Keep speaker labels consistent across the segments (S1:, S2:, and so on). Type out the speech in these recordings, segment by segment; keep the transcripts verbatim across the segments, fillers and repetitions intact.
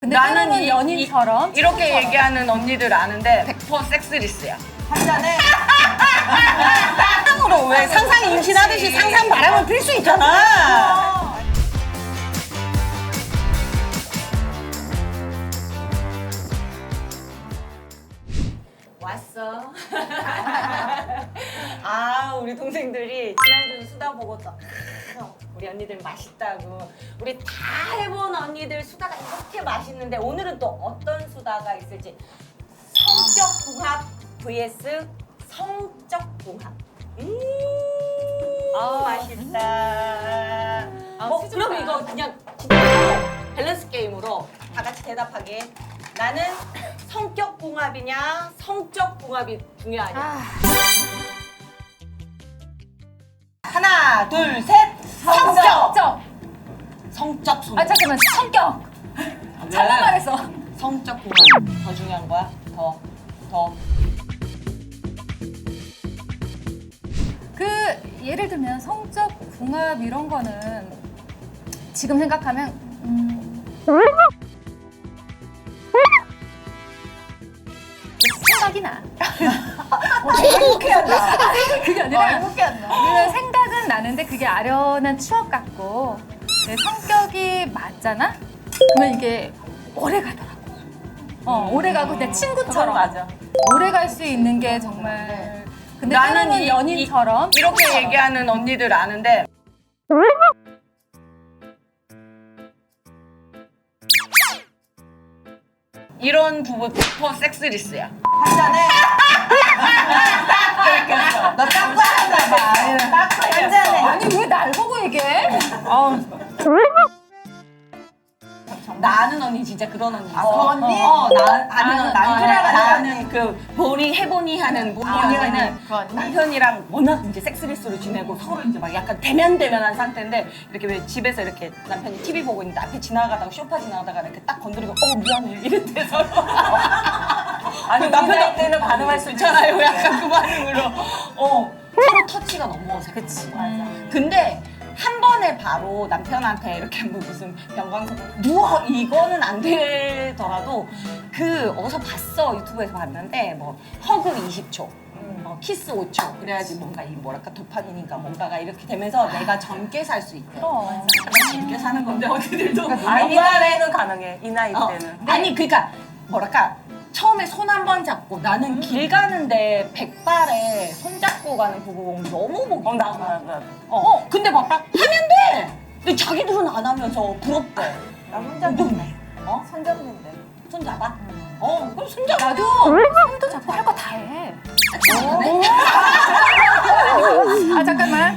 S1: 근데
S2: 나는
S1: 때로는
S2: 이-
S1: 연인처럼
S2: 이, 이렇게
S1: 친구처럼.
S2: 얘기하는 언니들 아는데 백 퍼센트 섹스리스야.
S3: 한 잔에
S2: 상상으로 왜 상상이 임신하듯이 상상 바람을 필 수 있잖아. 왔어. 아, 우리 동생들이 지난주 수다 보고 또 우리 언니들 맛있다고. 우리 다 해본 언니들 수다가 이렇게 맛있는데 오늘은 또 어떤 수다가 있을지. 성격궁합 vs 성적궁합. 음,
S1: 아.
S2: 맛있다.
S1: 아,
S2: 뭐,
S1: 수줍다.
S2: 그럼 이거 그냥 진짜로 밸런스 게임으로 다 같이 대답하게. 나는 성격궁합이냐 성적궁합이 중요하냐.
S1: 아,
S2: 하나, 둘, 셋. 성적.
S1: 성적.
S2: 성적 손.
S1: 아 잠깐만 성격. 잘못 말했어.
S2: 성적궁합 더 중요한 거야? 더, 더.
S1: 그 예를 들면 성적 궁합 이런 거는 지금 생각하면 음, 생각이 나.
S3: 행복해한다.
S1: 그게 아니라
S3: 행복해한다.
S1: 우리는 생각은 나는데 그게 아련한 추억 같고 내 성격이 맞잖아? 그러면 이게 오래 가더라고. 어, 오래 가고 내 친구처럼
S2: 맞아.
S1: 오래 갈 수 있는 게 정말. 근데
S2: 나는
S1: 때로는
S2: 이-
S1: 연인처럼
S2: 이, 이렇게 얘기하는 언니들 아는데 이런 부부 백 퍼센트 섹스리스야.
S3: 한 잔에 너 딱 봐야 봐. 한 잔에
S1: 아니 왜 날 보고 얘기해? 아,
S2: 나는 언니 진짜 그런 언니 있어.
S3: 아, 그 언니?
S2: 어, 나 아니
S1: 나는-
S2: 나는
S3: 그래가
S2: 나는 그 보니 해보니 하는 보니
S3: 아,
S2: 언니는
S3: 그 언니?
S2: 남편이랑 워낙 이제 섹스리스로 지내고 서로 이제 막 약간 대면대면한 상태인데 이렇게 왜 집에서 이렇게 남편이 티비 보고 있는데 앞에 지나가다가 쇼파 지나가다가 이렇게 딱 건드리고 어 미안해 이랬대 서로. 아니 남편 때는 반응할 수 있잖아요. 약간 그 반응으로. 어 서로 터치가 너무 어색해. 그치 맞아. 근데 한 번에 바로 남편한테 이렇게 뭐 무슨 병광석 누워 이거는 안 되더라도 그 어디서 봤어 유튜브에서 봤는데 뭐 허그 이십 초 어, 키스 오 초 그래야지 뭔가 이 뭐랄까 도파민인가 뭔가가 이렇게 되면서 내가 젊게 살 수 있대.
S1: 그럼.
S2: 젊게 사는 건데 언니들도
S4: 아, 이 나이는 가능해. 이 나이
S2: 어,
S4: 때는.
S2: 아니 그러니까 뭐랄까 처음에 손 한 번 잡고 나는 길 가는데 백발에 손 잡고 가는 부부 보면 너무 보기
S4: 어, 나,
S2: 좋아.
S4: 나, 나.
S2: 어, 근데 막 하면 돼. 근데 자기들은 안 하면서 부럽대.
S3: 나 혼자인데.
S2: 어?
S3: 손잡는데.
S2: 손 잡아? 어, 그럼 손 잡아.
S1: 나도 손도 잡고 할 거 다 해.
S2: 어?
S1: 아 잠깐만.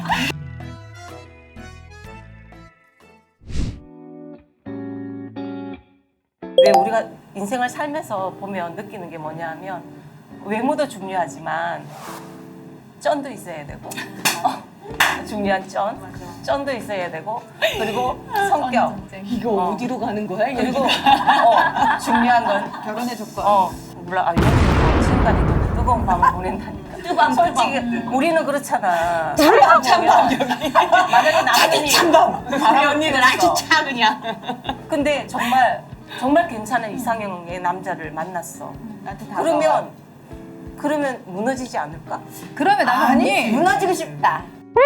S4: 왜 우리가 인생을 살면서 보면 느끼는 게 뭐냐면 외모도 중요하지만 쩐도 있어야 되고 어, 중요한 쩐, 쩐도 있어야 되고 그리고 성격
S1: 전쟁.
S2: 이거
S4: 어.
S2: 어디로 가는 거야?
S4: 그리고 어, 중요한 건
S3: 결혼의 조건.
S4: 어, 몰라, 아, 이건 지금까지 또 뜨거운 밤을 보낸다니까.
S2: 뜨밤,
S4: 솔직히 우리는 그렇잖아.
S2: 찬밤, 찬밤, 여기.
S4: 만약에
S2: 자기
S4: 남편이
S2: 찬밤. 우리
S4: 바람을
S2: 언니는
S4: 피웠어.
S2: 아주 차 그냥.
S4: 근데 정말 정말 괜찮은 이상형의 남자를 만났어.
S3: 나한테 다
S4: 그러면 그러면 무너지지 않을까?
S1: 그러면 나는
S3: 아니
S1: 언니
S3: 무너지고 싶다.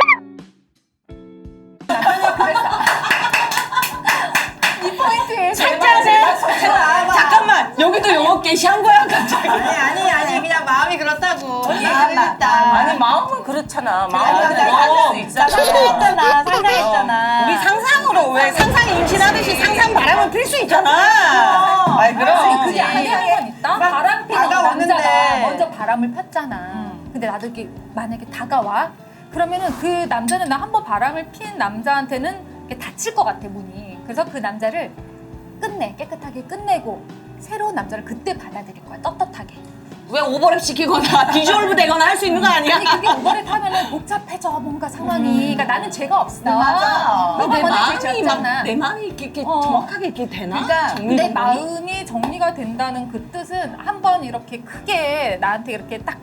S1: 이 포인트에
S2: 잠깐만, 잠깐만. 여기도 영어 게시한 거야, 갑자기.
S3: 아니 아니 아니 그냥 마음이 그렇다고. 나만
S4: 아니 마음은 그렇잖아. 마음은
S3: 내가
S4: 그럴 수 있잖아.
S3: 상상했잖아. 상상했잖아.
S2: 우리 상상으로 왜 상상이 임신하듯이 상상 바람을 필 수 있잖아. 아이, 그럼.
S1: 그게 아니라는 건 있다.
S3: 막
S1: 바람 피는
S3: 다가오는데.
S1: 남자가 먼저 바람을 폈잖아. 근데 나도 이렇게 만약에 다가와 그러면은 그 남자는 나 한 번 바람을 핀 남자한테는 이렇게 다칠 것 같아 문이. 그래서 그 남자를 끝내 깨끗하게 끝내고 새로운 남자를 그때 받아들일 거야 떳떳하게.
S2: 왜 오버랩 시키거나 디졸브 되거나 할 수 있는 거 아니야?
S1: 아니 그게 오버랩 하면은 복잡해져 뭔가 상황이. 그러니까 나는 죄가 없어.
S3: 맞아.
S1: 너가
S2: 내
S1: 먼저
S2: 마음이
S1: 죄졌잖아.
S2: 막, 내 마음이 이렇게, 이렇게
S1: 어.
S2: 정확하게 이렇게 되나?
S3: 그러니까
S2: 정리
S1: 내
S2: 정돈이?
S1: 마음이 정리가 된다는 그 뜻은 한 번 이렇게 크게 나한테 이렇게 딱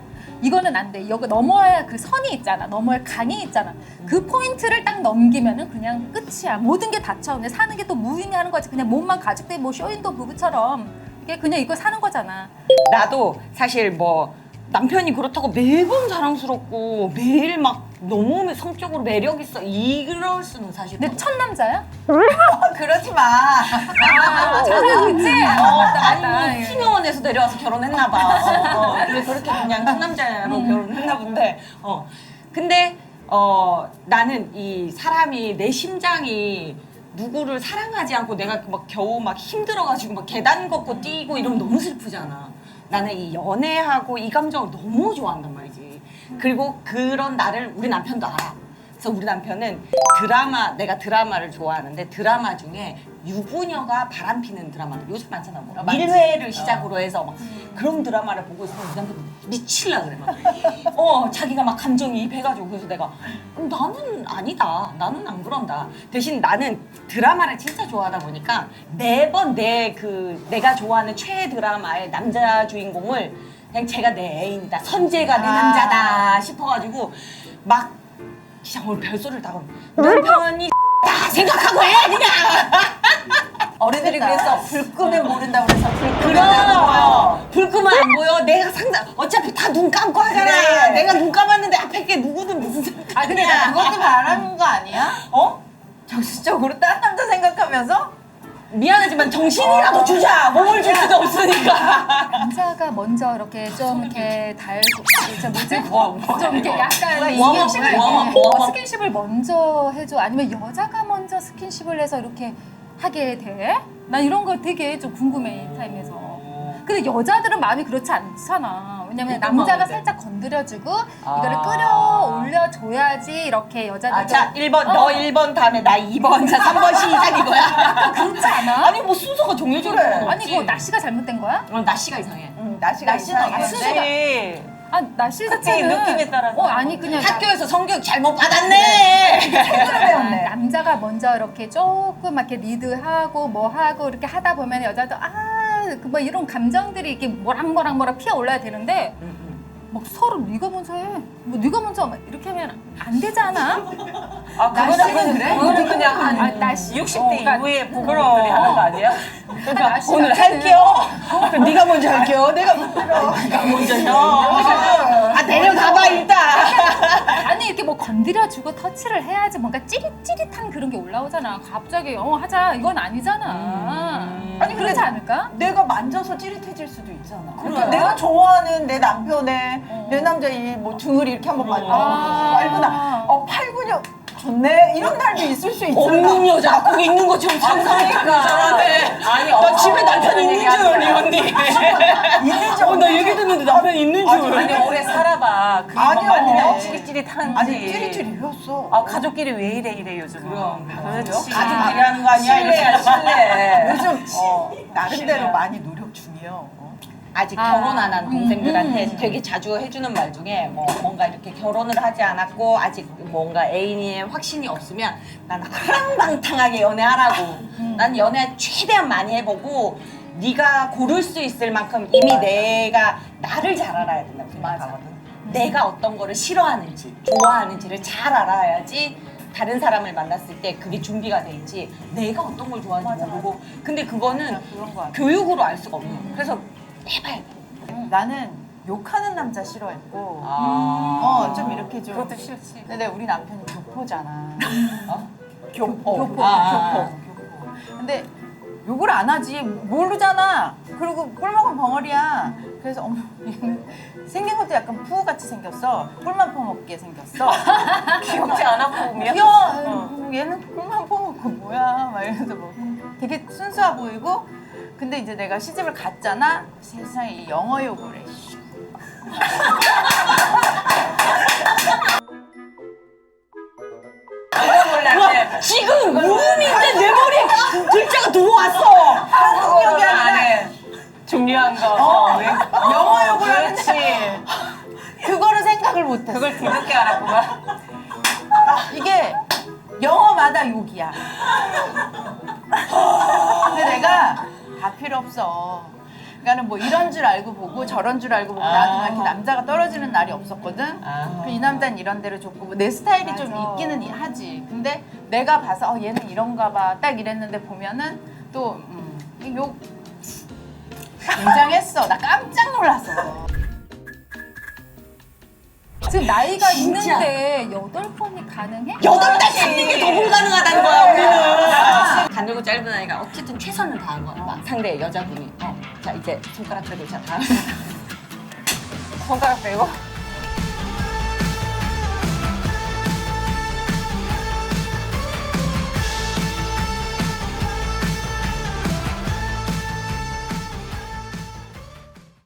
S1: 이거는 안 돼. 여기 넘어야 그 선이 있잖아. 넘어야 강이 있잖아. 그 포인트를 딱 넘기면은 그냥 끝이야. 모든 게 닫혀. 근데 사는 게 또 무의미하는 거지. 그냥 몸만 가죽대 뭐 쇼윈도 부부처럼 이게 그냥 이거 사는 거잖아.
S2: 나도 사실 뭐 남편이 그렇다고 매번 사랑스럽고 매일 막 너무 성적으로 매력 있어 이럴 수는 사실
S1: 근데 첫 남자야?
S3: 그러지 마.
S1: 아, 첫 그치?
S2: 어,
S1: 맞다,
S2: 아니
S1: 맞다.
S2: 뭐 팀요원에서 내려와서 결혼했나 봐. 어, 어, 그래서 그렇게 그냥 첫 남자로
S1: 음.
S2: 결혼했나 본데. 어. 근데 어 나는 이 사람이 내 심장이 누구를 사랑하지 않고 내가 막 겨우 막 힘들어가지고 막 계단 걷고 뛰고 이러면 너무 슬프잖아. 나는 이 연애하고 이 감정을 너무 좋아한단 말이지. 그리고 그런 나를 우리 남편도 알아. 그래서 우리 남편은 드라마, 내가 드라마를 좋아하는데 드라마 중에 유부녀가 바람피는 드라마들 요즘 많잖아. 뭐 밀회를 시작으로 해서 막 그런 드라마를 보고 있으면 우리 남편 미칠라 그래 막. 어 자기가 막 감정이입해가지고 그래서 내가 음, 나는 아니다. 나는 안 그런다. 대신 나는 드라마를 진짜 좋아하다 보니까 매번 내 그 내가 좋아하는 최애 드라마의 남자 주인공을 그냥 제가 내 애인이다. 선재가 내
S3: 아.
S2: 남자다 싶어가지고 막 진짜 오늘 별소리를 다 하고 남편이 다 생각하고 해 그냥.
S3: 어른들이 그래서 불 끄면 모른다고 그래서 불 끄면 안
S2: 그럼
S3: 보여.
S2: 불 끄면 안 보여. 내가 상상 어차피 다 눈 감고 하잖아.
S3: 그래.
S2: 내가 눈 감았는데 앞에 게 누구든 무슨 상관이야.
S3: 아 근데 나 그것도 바라는 거 아니야?
S2: 어?
S3: 정신적으로 딴 남자 생각하면서?
S2: 미안하지만 정신이라도 주자. 몸을 줄 수가 없으니까.
S1: 남자가 먼저 이렇게 좀 이렇게 달고 저 뭐지?
S2: 뭐, 뭐,
S1: 좀 이렇게 약간
S2: 뭐,
S1: 스킨십을
S2: 뭐, 뭐,
S1: 어,
S2: 뭐, 뭐.
S1: 스킨십을 먼저 해줘. 아니면 여자가 먼저 스킨십을 해서 이렇게 하게 돼? 난 이런 거 되게 좀 궁금해 이 타임에서. 근데 여자들은 마음이 그렇지 않잖아. 왜냐면
S2: 어떤
S1: 남자가
S2: 마음인데?
S1: 살짝 건드려주고
S2: 아.
S1: 이거를 끌어올려 줘야지 이렇게 여자들도
S2: 아, 자, 일 번,
S1: 어.
S2: 너 일 번 다음에 나 이 번, 자, 삼 번 시작 이거야.
S1: 그렇지 않아?
S2: 아니, 뭐 순서가 정해져 있는 건
S1: 아니
S2: 없지.
S1: 그거 날씨가 잘못된 거야?
S2: 어, 날씨가 이상해.
S3: 응, 날씨가
S2: 날씨는
S3: 이상해.
S1: 어때? 아 날씨
S4: 그때
S1: 자체는
S4: 느낌에 따라서.
S1: 어 아니 그냥 나-
S2: 학교에서 성교육 잘못 받았네.
S3: 배웠네.
S1: 남자가 먼저 이렇게 조금 이렇게 리드하고 뭐 하고 이렇게 하다 보면 여자도 아그 뭐 이런 감정들이 이렇게 뭐락뭐락 뭐락 피어 올라야 되는데 막 서로 네가 먼저 해. 뭐 네가 먼저 막 이렇게 하면 안 되잖아.
S4: 아, 그거는
S1: 날씨는
S4: 그냥,
S1: 그래?
S4: 그거는 그냥 한
S1: 아, 날씨.
S4: 육십
S1: 어,
S4: 대
S1: 그러니까
S4: 이후에 부부들이
S2: 그럼.
S4: 하는 거 아니야?
S2: 그러니까
S1: 날씨
S2: 오늘
S1: 자체는-
S2: 할게요. 그럼 네가 먼저 할게요. 내가 네가 먼저 해. 아 내려가봐 일단.
S1: 아니 이렇게 뭐 건드려주고 터치를 해야지 뭔가 찌릿찌릿한 그런 게 올라오잖아. 갑자기 어 하자 이건 아니잖아.
S2: 음.
S1: 아니 그렇지 않을까?
S3: 내가 만져서 찌릿해질 수도 있잖아.
S2: 그래.
S3: 그러니까 내가 좋아하는 내 남편의
S1: 어.
S3: 내 남자 이 뭐 등을 이렇게 한번 만져.
S1: 아.
S3: 알구나. 어 팔근육 좋네. 이런 날도 있을 수 있잖아.
S2: 없는 여자 거기 있는 것처럼 상상하니까 그러네.
S4: 아니,
S2: 나
S4: 어,
S2: 집에 남편
S4: 그런
S2: 있는
S4: 얘기하지
S2: 줄 이
S4: 마.
S2: 언니.
S3: 있는지
S2: 어, 나
S3: 없는지.
S2: 얘기 듣는데 남편 있는 줄.
S4: 아니, 오래 살아봐. 그게 뭐
S3: 아니요.
S4: 맞느냐, 찌릿찌릿한지.
S3: 아니 찌릿찌릿했어.
S4: 아, 가족끼리 왜 이래 이래 요즘은.
S2: 그럼.
S4: 그렇지.
S2: 가족끼리 하는 거 아니야?
S4: 실례야, 실례.
S3: 요즘
S4: 어,
S3: 나름대로
S4: 실례야.
S3: 많이 노력 중이요. 어.
S2: 아직
S1: 아.
S2: 결혼 안 한 동생들한테
S1: 음.
S2: 되게 자주 해주는 말 중에 뭐 뭔가 이렇게 결혼을 하지 않았고 아직 뭔가 애인의 확신이 없으면 난 하랑방탕하게 연애하라고. 난 연애 최대한 많이 해보고 네가 고를 수 있을 만큼 이미 내가 나를 잘 알아야 된다고 생각하거든. 내가 어떤 거를 싫어하는지 좋아하는지를 잘 알아야지 다른 사람을 만났을 때 그게 준비가 돼 있지 내가 어떤 걸 좋아하는지 모르고 근데 그거는
S3: 그런 거 같아.
S2: 교육으로 알 수가 없는 거야. 그래서 해봐야 돼.
S3: 나는 욕하는 남자 싫어했고,
S2: 아.
S3: 어 좀 이렇게 좀.
S4: 그것도 싫지.
S3: 근데 우리 남편이 교포잖아.
S2: 어?
S3: 교포,
S2: 교포.
S3: 교포,
S2: 아,
S3: 교포, 교포. 근데 욕을 안 하지 모르잖아. 그리고 꿀먹은 벙어리야. 그래서 어머 얘는 생긴 것도 약간 푸우같이 생겼어. 꿀만 퍼먹게 생겼어.
S4: 귀엽지 않아, 보면?
S3: 귀여워.
S4: 어.
S3: 뭐 얘는 꿀만 퍼먹고 뭐야? 막 이러면서 뭐 되게 순수해 보이고. 근데 이제 내가 시집을 갔잖아. 세상에 이 영어 욕을 해. 씨.
S4: 몰랐네.
S2: 지금 무음인데 내 머리에 그 글자가 들어왔어.
S3: 한국 욕이
S4: 안
S3: 아니라
S4: 해. 중요한 거.
S3: 어,
S4: 왜?
S3: 영어 욕을
S4: 그렇지.
S3: 하는데 그거를 생각을 못했어.
S4: 그걸 뒤늦게 알았구만.
S3: 이게 영어마다 욕이야. 근데 내가 다 필요 없어. 그러니까는 뭐 이런 줄 알고 보고 저런 줄 알고 보고
S2: 아.
S3: 나도 막 이렇게 남자가 떨어지는 날이 없었거든.
S2: 아.
S3: 그 이 남자는 이런 대로 좋고 뭐내 스타일이 좀
S1: 맞아.
S3: 있기는 이- 하지. 근데 내가 봐서 어 얘는 이런가 봐 딱 이랬는데 보면은 또 음, 욕 굉장했어. 나 깜짝 놀랐어.
S1: 지금 나이가
S2: 진짜.
S1: 있는데 여덟 번이 가능해?
S2: 여덟 달 참는 게 더 불가능하다는 거야 우리는. 가늘고 짧은 아이가 어쨌든 최선을 다한 거야. 막 상대 여자분이 어, 자 이제 손가락 빼고 자 다음
S4: 손가락 빼고